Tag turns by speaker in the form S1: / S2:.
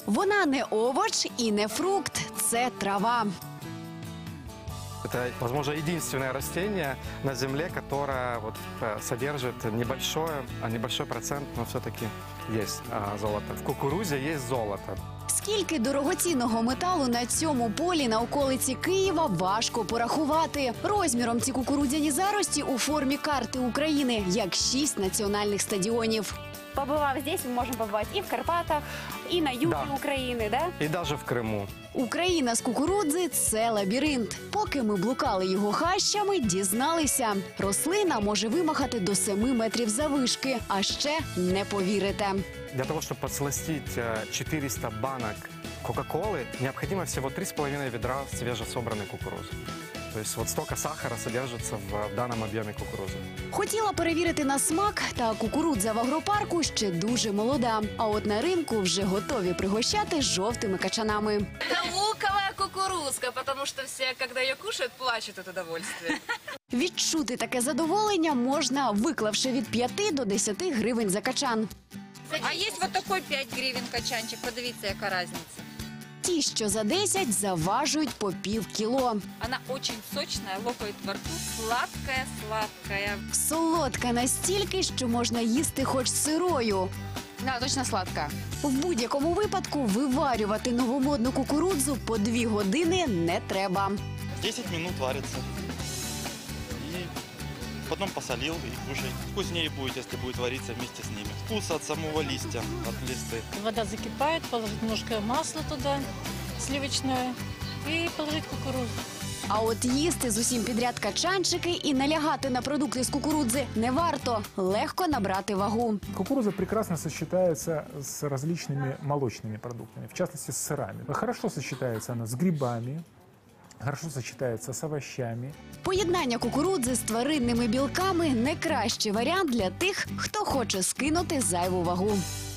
S1: Вона не овоч і не фрукт, це трава.
S2: Это, возможно, единственное растение на Земле, которое содержит небольшой процент, но все-таки есть золото. В кукурузе есть золото.
S1: Скільки дорогоцінного металу на цьому полі на околиці Києва важко порахувати. Розміром ці кукурудзяні зарості у формі карти України, як 6 національних стадіонів.
S3: Побывав здесь, мы можем побывать и в Карпатах, и на юге Украины, да?
S2: И даже в Крыму.
S1: Україна з кукурудзи – це лабіринт. Поки ми блукали його хащами, дізналися. Рослина може вимахати до 7 метрів заввишки, а ще не повірите.
S2: Для того, чтобы подсластить 400 банок Кока-Колы, необходимо всего 3,5 ведра свежесобранной кукурузы. То есть вот столько сахара содержится в данном объеме кукурузы.
S1: Хотіла перевірити на смак, та кукурудза в агропарку ще дуже молода. А от на ринку вже готові пригощати жовтими качанами.
S4: Это луковая кукурузка, потому что все, когда ее кушают, плачут от удовольствия.
S1: Відчути таке задоволення можна, виклавши від 5 до 10 гривень за качан.
S5: А є вот такой 5 гривень качанчик, подивіться, яка різниця.
S1: Ті, що за 10, заважують по пів кіло.
S5: Она очень сочная, лопает во рту, сладкая.
S1: Солодка настільки, що можна їсти хоч сирою.
S5: Да, точно сладкая.
S1: В будь-якому випадку виварювати новомодну кукурудзу по 2 години не треба.
S6: 10 минут варится. И потом посолил и кушай. Вкуснее будет, если будет вариться вместе с ними. Вкус от самого листья, от листы.
S7: Вода закипает, положить немножко масла туда, сливочное, и положить кукурузу.
S1: А от їсти з усім підряд качанчики і налягати на продукти з кукурудзи не варто. Легко набрати вагу.
S8: Кукуруза прекрасно сочетается с различными молочными продуктами, в частности с сырами. Хорошо сочетается она с грибами, хорошо сочетается с овощами.
S1: Поєднання кукурудзи з тваринними білками – найкращий варіант для тих, хто хоче скинути зайву вагу.